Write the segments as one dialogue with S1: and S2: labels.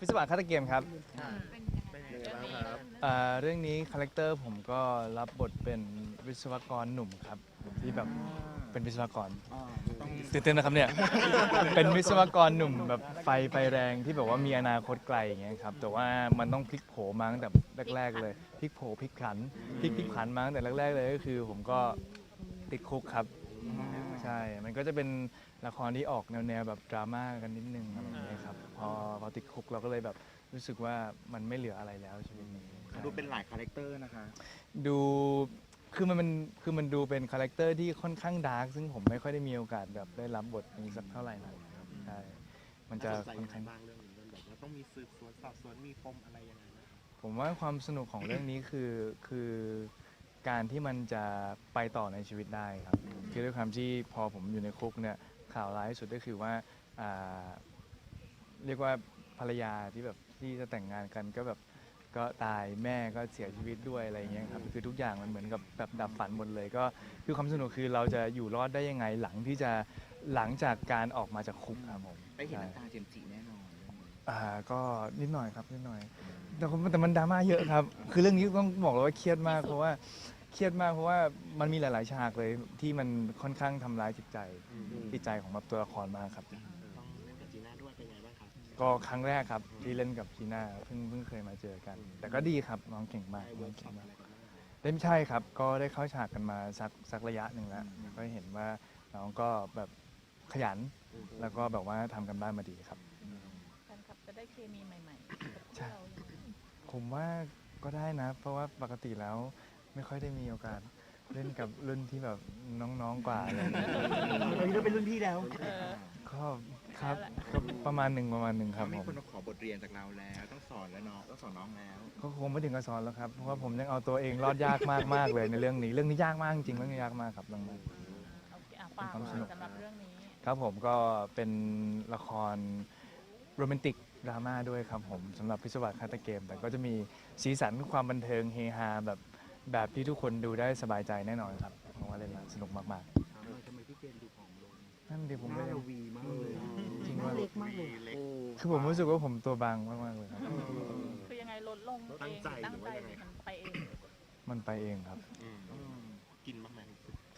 S1: วิศวะฆาตเกมครับ
S2: เป็นยังไงบ้างครับ
S1: เรื่องนี้คาแรคเตอร์ผมก็รับบทเป็นวิศวกรหนุ่มครับที่แบบเป็นวิศวกรตื่นเต้นนะครับเนี่ย เป็นวิศวกรหนุ่มแบบไฟแรงที่แบบว่ามีอนาคตไกลอย่างเงี้ยครับแต่ว่ามันต้องพลิกโผมาตั้งแต่แรกๆเลยพลิกโผพลิกผันพลิกผันมาตั้งแต่แรกๆเลยก็คือผมก็ติดคุกครับใช่มันก็จะเป็นละครที่ออกแนวแบบดราม่ากันนิดนึงอะไรอย่างเงี้ยครับพอติดคุกเราก็เลยแบบรู้สึกว่ามันไม่เหลืออะไรแล้วชีวิตนี้
S3: ดูเป็นหลายคาแรคเตอร์นะคะ
S1: ดูคือมันดูเป็นคาแรคเตอร์ที่ค่อนข้างดาร์กซึ่งผมไม่ค่อยได้มีโอกาสแบบได้รับบทนี้สักเท่าไหร่นะครับใช่มันจะค่อนข้าง
S3: บ้างเรื่องนี้มันแบบว่าต้องมีสืบสวนสอบสวนมีปมอะไรยังไงบ้าง
S1: ผมว่าความสนุกของเรื่องนี้คือการที่มันจะไปต่อในชีวิตได้ครับคือด้วยความที่พอผมอยู่ในคุกเนี่ยข่าวร้ายที่สุดก็คือว่าอ่าเรียกว่าภรรยาที่แบบที่จะแต่งงานกันก็แบบก็ตายแม่ก็เสียชีวิตด้วยอะไรอย่างเงี้ยครับคือทุกอย่างมันเหมือนกับแบบดับฝันหมดเลยก็คือความสนุกคือเราจะอยู่รอดได้ยังไงหลังจากการออกมาจากคุกครับผม
S3: ได้เห็นน้ำตาเจมส์จิแน่นอน
S1: ก็นิดหน่อยครับนิดหน่อยแต่มันดราม่าเยอะครับคือเรื่องนี้ต้องบอกเลยว่าเครียดมากเพราะว่ามันมีหลาย ๆ ฉากเลยที่มันค่อนข้างทำร้ายจิตใจของแบบตัวละครมากครับ
S3: ต้องเล่นกับจีน่าด้วยเป็นไงบ้างครับ
S1: ก็ครั้งแรกครับที่เล่นกับจีน่าเพิ่งเคยมาเจอกัน แต่ก็ดีครับน้องเก่งมาก
S3: ได้
S1: น้
S3: เวิ
S1: อ
S3: ร์
S1: ง
S3: กช็
S1: เก่
S3: อง ป
S1: มา
S3: อะ
S1: ก
S3: ไรกันบ้าง
S1: ได้ไม่ใช่ครับก็ได้เข้าฉากกันมาสักระยะหนึ่งแล้วก็เห็นว่าน้องก็แบบขยันแล้วก็แบบว่าทำกันบ้านมาดีครับ
S2: แฟนคลับจะได้เคมีใหม่ๆกับพวกเราอย่างนี้
S1: ผมว่าก็ได้นะ เพราะว่าปกติแล้วไม่ค่อยได้มีโอกาสเล่นกับรุ่นที่แบบน้องๆกว่าอะไรอย่างเงี้ย
S4: ตอนนี้เราเป็นรุ่นพี่แล้ว
S1: ก็ครับก็ประมาณหนึ่งครับ
S3: มี
S1: ผม
S3: คนมาขอบทเรียนจากเราแล้วต้องสอนแล้วน้องต้องสอนน้องแล้ว
S1: ก็คงไม่ถึงกับสอนแล้วครับเพราะว่าผมยังเอาตัวเองรอดยากมากเลยในเรื่องนี้ยากมากจริงเรื่องนี้ยากมากครับเรื่องนี้
S2: โอเคฝากสำหรับเรื่องนี้
S1: ครับผมก็เป็นละครโรแมนติกดราม่าด้วยครับผมสำหรับพิศวาสฆาตเกม แต่ก็จะมีสีสันความบันเทิงเฮฮาแบบที่ทุกคนดูได้สบายใจแน่นอนครับเพราะว่าเล่นแล้วสนุกมาก
S4: ถามหน่อยทำไมพี่เจมส์ดูผอมลง
S1: ๆนั่นดิผม
S4: ห
S1: ไม่
S4: น้า
S1: ได้
S4: เราวีมากเลย
S1: จริง
S4: หน้า
S1: ว่า
S4: เล็กมากเลย
S3: เล็ก
S1: คือผมรู้สึกว่าผมตัวบางมากๆเลยครับ
S2: คือยังไงลดลงเองตั้งใจหรือมันไปเอง
S1: มันไปเองครับ
S3: กินบ้างไหม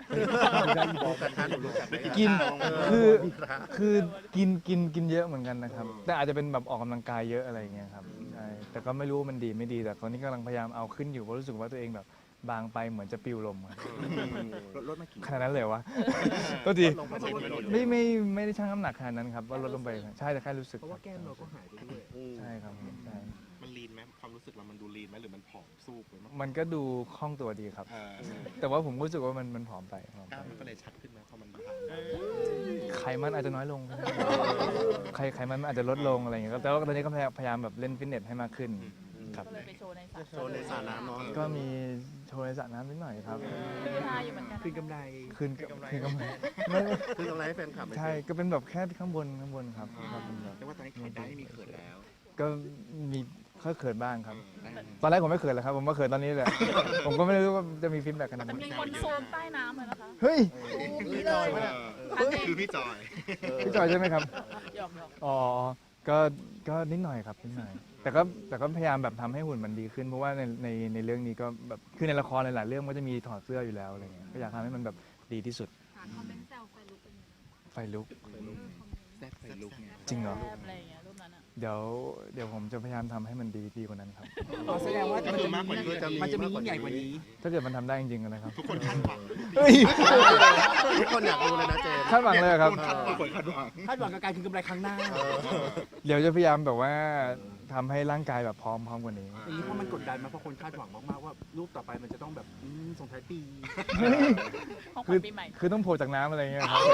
S1: กินคือกินเยอะเหมือนกันนะครับ แต่อาจจะเป็นแบบออกกำลังกายเยอะอะไรอย่างเงี้ยครับใช่แต่ก็ไม่รู้ว่ามันดีไม่ดีแต่ตอนนี้กำลังพยายามเอาขึ้นอยู่เพราะรู้สึกว่าตัวเองแบบบางไปเหมือนจะปิวลมครับ
S3: ลดมากี่
S1: ขนาดนั้นเลยวะ ก็ดี
S3: ลงไปไม่ลด
S1: ไม่ได้ชั่งน้ำหนักขนาดนั้นครับว่าลดลงไปใช่แต่แค่รู้สึก
S4: เพราะว่าแก้มเราก็หายไปด้วย
S1: ใช่ครับใช่
S3: มันลีนไหมความรู้สึกเรามันดูลีนไหมหรือมันผอมสู้ไปมั้ง
S1: มันก็ดูคล่องตัวดีครับ แต่ว่าผมรู้สึกว่ามันผอมไป
S3: กล้ามมันก็เลยชัดขึ้นนะพอมันบาง
S1: ไขมันอาจจะน้อยลงไขมันอาจจะลดลงอะไรอย่างเงี้ยครับแต่ว่าตอนนี้ก็พยายามแบบเล่นฟิตเนสให้มากขึ้นครับ
S2: ก็เลยไปโชว์ในสระ
S3: โชว์ในสระน้ำเนาะ
S1: ก็มีโชว์ในสระน้ำนิดหน่อยครับ
S2: คือฮาอยู่เหมือนกัน
S4: คืนกำไร
S1: คืนกำไรไม่
S3: คือกำไรให้แฟนคลับ
S1: ใช่ก็เป็นแบบแค่ข้างบนครับก็เป็นแบบ
S3: เรียกว่าตอนนี้ขายได้ไม่มีเขินแล้ว
S1: ก็มีเขินบ้างครับ ตอนแรกผมไม่เขินเลยครับผมมาเขินตอนนี้แหละ ผมก็ไม่รู้ว่าจะมีฟีดแบ็กขนาด
S2: แต่
S1: นั้น
S2: มีคนโซมใต้น้ำเลยนะคะ
S1: เฮ้ย
S2: นี่เลย
S3: คือพี่จอย
S1: พี่จอยใช่ไหมครับ
S2: หยอก
S1: อ๋อ ก็นิดหน่อยครับนิดหน่อย แต่ก็พยายามแบบทำให้หุ่นมันดีขึ้น เพราะว่าในเรื่องนี้ก็แบบคือในละครหลายๆเรื่องก็จะมีถอดเสื้ออยู่แล้วอะไรเงี้ย ก็อยากทำให้มันแบบดีที่สุด
S5: คอมเมนต์แซวไฟลุกเป็นยังไง
S1: ไฟลุก
S3: แซ่บไฟลุกไง
S1: จริงเหรอ
S2: แอบอะไรอย่างเงี้ยรูปนั้นอ่ะ
S1: เดี๋ยวผมจะพยายามทำให้มันดีกว่านั้นครับ
S4: แสดงว่ามันจะ
S3: มากกว่านี้
S4: มันจะมียิ่งใหญ่กว่านี้
S1: ถ้าเกิดมันทำได้จริงๆนะครับ
S3: ทุกคนคาดหวัง
S1: เฮ้ย
S3: ทุกคนอยากรู้เลยนะเจม
S1: คาดหวังเลยเหรอครับ
S3: ทุกคนคาดหวัง
S4: คาดหวังกับการคืนกำไรครั้งหน้า
S1: เดี๋ยวจะพยายามแบบว่าทำให้ร่างกายแบบพร้อมกว่านี้
S4: อย่างนี้เพราะมันกดดันมาเพราะคนคาดหวังมากๆว่ารูปต่อไปมันจะต้องแบบส่งท้ายปี
S2: ของขวัญปีใหม่
S1: คือต้องโผล่จากน้ำอะไรเงี้ยครับ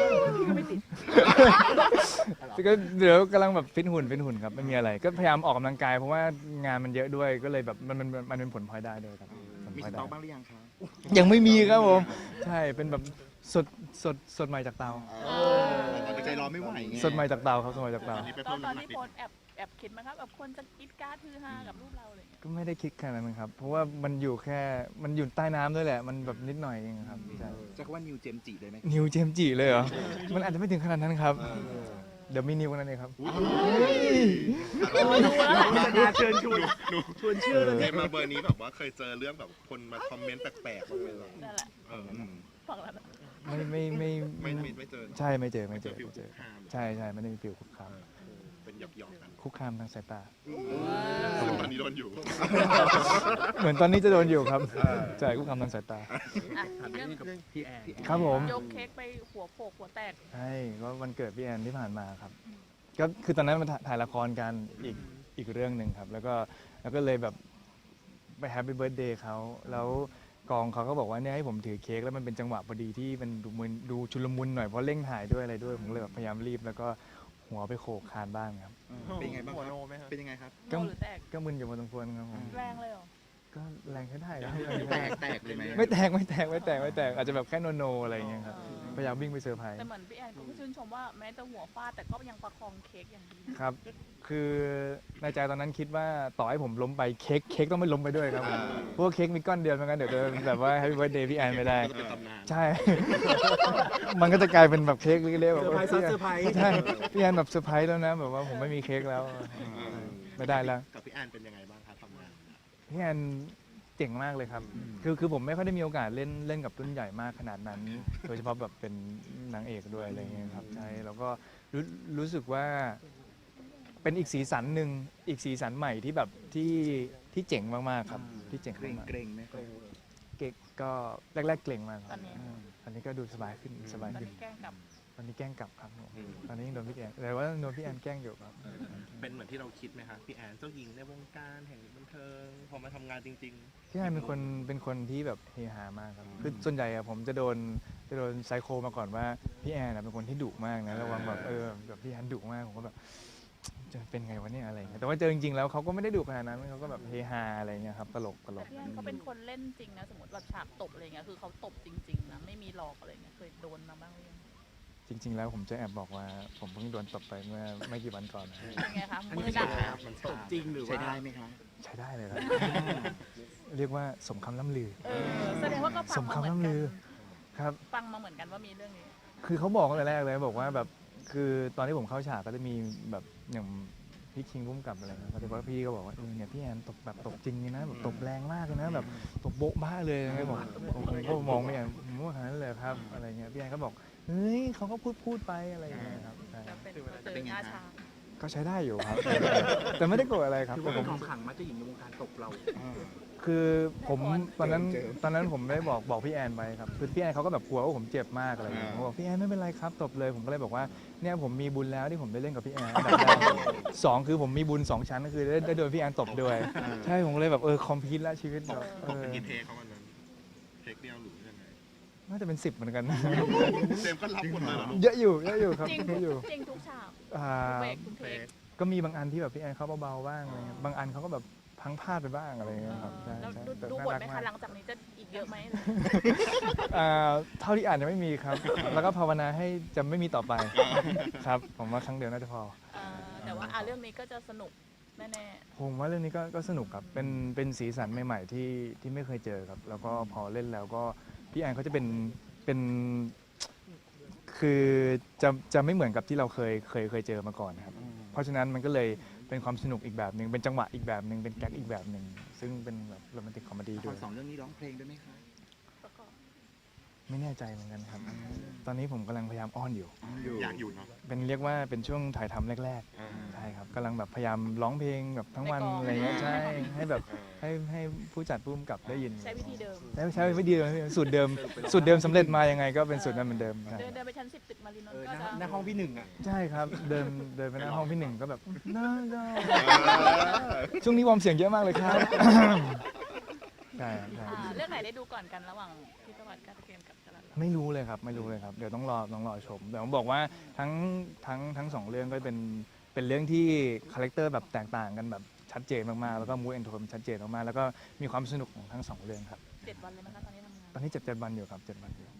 S1: แต่ก็เดี๋ยวกำลังแบบฟิตหุ่นครับไม่มีอะไร ก็พยายามออกกำลังกายเพราะว่างานมันเยอะด้วยก็เลยแบบมันเป็นผลพลอยได้ด้วยครับผล
S3: มี
S1: พล
S3: ส
S1: อยได้
S3: ต็อกบ้างหรือยังคะ
S1: ยังไม่มีครับผมใช่เป็นแบบสดใหม่จากเตา
S3: ใจรอไม่ไหวไง
S1: สดใหม่จากเตาครับสดใหม่จากเตา
S2: ตอนที่โพสแอบคิดไหมครับแบบคนจะคิดการ์ดฮือฮากับรูปเราอะไรอย่างเงี้ย
S1: ก็ไม่ได้คิดขนาดนั้นครับ เพราะว่ามันอยู่ใต้น้ำด้วยแหละ มันแบบนิดหน่อยเองครับใช่
S3: จะว่านิวเจมจิได้ไหม
S1: นิวเจมส์จิเลยเหรอ มันอาจจะไม่ถึงขนาดนั้นครับ
S2: แ
S1: เดี๋ยวมีนิวนั่นเองครับ
S4: เชิญชวนชวนเชื่อเลย
S6: เห็นมาเบอร์นี้แบบว่าเคยเจอเรื่องแบบคนมาคอมเมนต์แปลกๆบ้างไหมล่ะ
S2: นั่นแหละ
S6: เออ
S2: ฟังแล้วนะ
S6: ไม่เจอ
S1: ใช่ไม่เจอ
S6: เจอฟิลคุกคาม
S1: ใช่ไม่ได้มีฟิลคุกคาม
S6: เป็นหยอกๆกัน
S1: คุกคามทางสายตา
S6: ซึ่งตอนนี้โดนอยู่
S1: เหมือนตอนนี้จะโดนอยู่ครับใช่คุกคามทางสายตา
S2: อ่ะอีกเรื่อง
S4: พี่แอน
S1: ครับผม
S2: ยกเค้กไปหัวโปกหัวแตก
S1: ใช่ก็วันเกิดพี่แอนที่ผ่านมาครับ ก็คือตอนนั้นมาถ่ายละครกันอีกเรื่องหนึ่งครับ แล้วก็เลยแบบไปแฮปปี้เบิร์ดเดย์เขาแล้วกองเขาก็บอกว่าเนี่ยให้ผมถือเค้กแล้วมันเป็นจังหวะพอดีที่มันดูชุลมุนหน่อยเพราะเร่งถ่ายด้วยอะไรด้วยผมเลยแบบพยายามรีบแล้วก็หัวไปโขกคานบ้างครับ
S7: เป็นยังไงบ้างครับเป็นยังไงครับ
S2: โนหรือแตก
S1: ก็มึนอยู่พอสมควรครับผม
S2: แรงเลยเหรอ
S1: ก็แรงใช้ได้ครับ
S7: แตกเลยไหม
S1: ไม่แตกอาจจะแบบแค่โนอะไรอย่างเงี้ยครับพยายามวิ่งไปเซอร์ไพรส์
S2: แต่เหมือนพี่แอนก็ชื่นชมว่าแม้จะหัวฟาดแต่ก็ยังประคองเค้กอย่างดี
S1: ครับ คือในใจตอนนั้นคิดว่าต่อให้ผมล้มไปเค้กต้องไม่ล้มไปด้วยครับผมเพราะว่าเค้กมีก้อนเดียวเหมือนกันเดี๋ยวจะแบบว่า Happy Birthday พี่แอนไม่ได้
S6: ก็จะเป็นตำนาน
S1: ใช่ มันก็จะกลายเป็นแบบเค้กเล็กๆแบบ
S4: เซอร์ไพรส์ซ้อนเซอร์ไพรส์
S1: ใช่พี่แอนแบบเซอร์ไพรส์แล้วนะแบบว่าผมไม่มีเค้กแล้วไม่ได้แล้ว
S6: กับพี่แอนเป็นยังไงบ้างคะทำงาน
S1: พี่แอนเจ๋งมากเลยครับ คือผมไม่ค่อยได้มีโอกาสเล่นกับรุ่นใหญ่มากขนาดนั้น โดยเฉพาะแบบเป็นนางเอกด้วยอะไรเงี้ยครับ ใช่ แล้วก็รู้สึกว่าเป็นอีกสีสันหนึ่งอีกสีสันใหม่ที่แบบที่เจ๋งมากๆครับ ที่เจ๋ง
S7: เกรง
S1: มาก
S7: เกรงไหมครับ
S1: ๆเก่งก็แรกๆเกรงมากค
S2: ต
S1: รั
S2: อบ นนี้
S1: ตอนนี้ก็ดูสบายขึ้นสบาย
S2: ตอน
S1: ขึ้น
S2: นี้แกล้งกับ
S1: ตอนนี้แกล้งกลับครับผมตอนนี้ยังโดนพี่แอนแต่ว่าโดนพี่แอนแกล้งอยู่ครับ
S3: เป็นเหมือนที่เราคิดไหมคะพี่แอนเจ้าหญิงในวงการแห่งบันเทิงพอมาทำงานจริง
S1: พี่แอนเป็นคนที่แบบเฮฮามากครับคือส่วนใหญ่อะผมจะโดนไซโคมาก่อนว่าพี่แอนอะเป็นคนที่ดุมากนะระวังแบบแบบพี่แอนดุมากผมก็แบบจะเป็นไงวะเนี่ยอะไรอย่างเงี้ยแต่ว่าเจอจริงๆแล้วเขาก็ไม่ได้ดุขนาดนั้นเขาก็แบบเฮฮาอะไรอย่างเงี้ยครับตลก
S2: แต่พี่แอนเขาเป็นคนเล่นจริงนะสมมติแบบฉากตบอะไรเงี้ยคือเขาตบจริงๆนะไม่มีหลอกอะไรเงี้ยเคยโดนมาบ้างหรือยัง
S1: จริง ๆ แล้วผมจะแอบบอกว่าผมเพิ่งโดนตบไปเมื่อไม่กี่วันก่อนนะ
S2: เป็นไงคะ
S4: อัน
S2: มื
S4: นี้
S2: อหนัก
S4: มันตบจริงหรือ
S7: ใช้
S4: ว่า
S7: ได้ไหมคะ
S1: ใช้ได้เลยครับ เรียกว่าสมคำล่ำลือ
S2: แสดงว่าก็ฟั
S1: ส
S2: ง
S1: ม
S2: มา
S1: คำ
S2: เหมือน
S1: ล่ำ
S2: กั
S1: ลื
S2: น
S1: อครับ
S2: ฟังมาเหมือนกันว่ามีเรื่องนี้
S1: คือเขาบอกตั้งแต่แรกเลยบอกว่าแบบคือตอนที่ผมเข้าฉากก็จะมีแบบอย่างพี่คิงพุ่มกับอะไรนะแต่ว่าพี่ก็บอกว่าเนี่ยพี่แอนตบแบบตบจริงเลยนะแบบตบแรงมากเลยนะแบบตบโบ๊ะบ้าเลยไงบอกผมก็มองพี่แอนผมว่าขนาดนั้นเลยครับอะไรเงี้ยพี่แอนก็บอกเฮ้ยเขาก็พูดไปอะไรอย่างเงี้ยครับใช่
S2: จะเป็นตื่นหน้าช้าง
S1: ก็ใช้ได้อยู่ครับ แต่ไม่ได้โกรธอะไรครับ
S4: ถือ
S1: แต่
S4: ว่า
S1: ผ
S4: เป็น
S1: ม
S4: ของขลังมาเจ้าหญิงในวงการตบเรา
S1: คือผมตอนนั้นผมได้บอกพี่แอนไปครับคือพี่แอนเขาก็แบบกลัวว่าผมเจ็บมากอะไรอย่างเงี้ยผมบอกพี่แอนไม่เป็นไรครับตบเลยผมก็เลยบอกว่าเนี่ยผมมีบุญแล้วที่ผมได้เล่นกับพี่แอนอันดับแรกสองคือผมมีบุญสองชั้นก็คือได้โดนพี่แอนตบด้วยใช่ผมก็เลยแบบคอมพิวต์แล้วชีวิตแบบ
S6: ตบเป็นกี่เทคเขาวันนั้นเทคเดียวหรือยังไง
S1: น่าจะเป็น10เหมือนกัน
S6: เจมส์ก็รับหมดเลยเหรอลูก
S1: เยอะอยู่ครับ
S2: จริง
S1: เยอะอยู่
S2: จริงทุกฉาก
S1: อ่า
S2: ทุกเบรกทุกเทค
S1: ก็มีบางอันที่แบบพี่แอนเขาเบาๆบ้างอะไรเงี้ยบางอันเขาก็แบบพังพลาดไปบ้างอะไรเงี้ยครับใช่
S2: แล้ว
S1: ใช่
S2: ดู
S1: แต่
S2: ดู
S1: น่า
S2: บท
S1: รัก
S2: ไหม
S1: มา
S2: คะ
S1: ก
S2: หลังจากนี้จะอีกเยอะไหม
S1: เท่าที่อ่านยังไม่มีครับ แล้วก็ภาวนาให้จะไม่มีต่อไปครับ ผมว่าครั้งเดียวน่าจะพอ
S2: แต่ว่าเรื่องนี้ก็จะสนุกแน่
S1: ผมว่าเรื่องนี้ก็สนุกครับ เป็นสีสันใหม่ๆที่ไม่เคยเจอครับ แล้วก็พอเล่นแล้วก็พี่แอนเขาจะเป็นคือจะไม่เหมือนกับที่เราเคยเจอมาก่อนนะครับ เพราะฉะนั้นมันก็เลยเป็นความสนุกอีกแบบหนึ่งเป็นจังหวะอีกแบบหนึ่งเป็นแก๊กอีกแบบหนึ่งซึ่งเป็นแบบโรแมนติกคอมเมดี้
S7: ละค
S1: ด้ว
S7: ร
S1: ย
S7: สองเรื่องนี้ร้องเพลงด้วยไหมคะ
S2: ๆประกอบ
S1: ไม่แน่ใจเหมือนกันครับ ตอนนี้ผมกำลังพยายามอ้อนอยู่
S6: อยากอยู่เนาะ
S1: เป็นเรียกว่าเป็นช่วงถ่ายทำแรกๆ ใช่ครับกำลังแบบพยายามร้องเพลงแบบทั้งวันอะไรเงี้ยใช่ให้แบบให้ผู้จัดผู้กำกับได้ยิน
S2: ใช้วิธีเดิม
S1: ใช้วิธีเดิมสูตรเดิมสำเร็จมายังไงก็เป็นสูตรนั้นเหมือนเดิมใช่
S2: เดินไปชั้น 10 ตึกมารินน
S4: เอ
S2: ท์
S4: อ
S2: ก็
S4: ห
S2: จะ
S4: น้าห้องพี่หนึ่งอ่ะ
S1: ใช่ครับเดินไปหน้าห้องพี่หนึ่งก็แบบน่าช่วงนี้วอร์มเสียงเยอะมากเลยครับ ใช่ใช่
S2: เรื่องไหนได้ดูก่อนกันระหว่างพิศวรรษการเกมกับจรัญ
S1: ไม่รู้เลยครับเดี๋ยวต้องรอชมแต่ผมบอกว่าทั้งสองเรื่องก็เป็นเรื่องที่คาแรคเตอร์แบบแตกต่างกันแบบชัดเจนมากๆแล้วก็มูดแอนโทนชัดเจนมากๆแล้วก็มีความสนุกของทั้งสองเรื่องครับ
S2: 7 วันเลยมั้งคะตอนนี้ทำงาน
S1: ตอนนี้7 วันอยู่ครับ7 วันอยู่